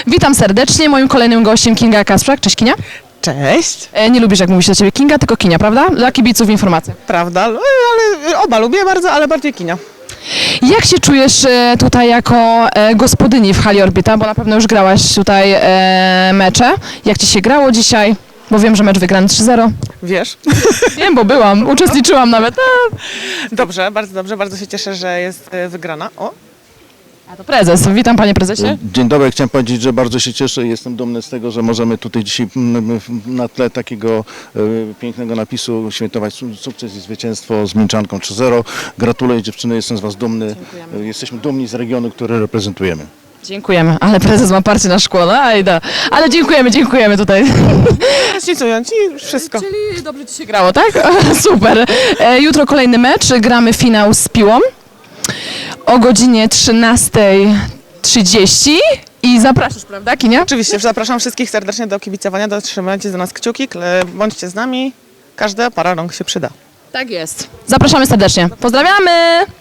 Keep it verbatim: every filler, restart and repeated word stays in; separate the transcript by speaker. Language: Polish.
Speaker 1: Witam serdecznie. Moim kolejnym gościem Kinga Kasprzak. Cześć Kinia.
Speaker 2: Cześć.
Speaker 1: E, nie lubisz jak mówi się do ciebie Kinga, tylko Kinia, prawda? Dla kibiców informacja.
Speaker 2: Prawda, ale oba lubię bardzo, ale bardziej Kinia.
Speaker 1: Jak się czujesz e, tutaj jako e, gospodyni w hali Orbita, bo na pewno już grałaś tutaj e, mecze. Jak ci się grało dzisiaj? Bo wiem, że mecz wygrany trzy zero.
Speaker 2: Wiesz?
Speaker 1: Wiem, bo byłam, uczestniczyłam nawet. A,
Speaker 2: Dobrze, bardzo dobrze, bardzo się cieszę, że jest e, wygrana. O,
Speaker 1: a to prezes. Witam panie prezesie.
Speaker 3: Dzień dobry, chciałem powiedzieć, że bardzo się cieszę i jestem dumny z tego, że możemy tutaj dzisiaj mm, na tle takiego e, pięknego napisu świętować su- sukces i zwycięstwo z Minczanką trzy zero. Gratuluję dziewczyny, jestem z was dumny.
Speaker 1: Dziękujemy.
Speaker 3: E, Jesteśmy dumni z regionu, który reprezentujemy.
Speaker 1: Dziękujemy, ale prezes ma parcie na szkło, no ajda. Ale dziękujemy, dziękujemy tutaj.
Speaker 2: śnicując i już wszystko.
Speaker 1: Czyli dobrze ci się grało, tak? Super. E, jutro kolejny mecz, gramy finał z Piłą o godzinie trzynasta trzydzieści i zapraszasz, prawda Kinia?
Speaker 2: Oczywiście, zapraszam wszystkich serdecznie do kibicowania, do trzymajcie za nas kciuki, kle- bądźcie z nami, każda para rąk się przyda.
Speaker 1: Tak jest. Zapraszamy serdecznie. Pozdrawiamy!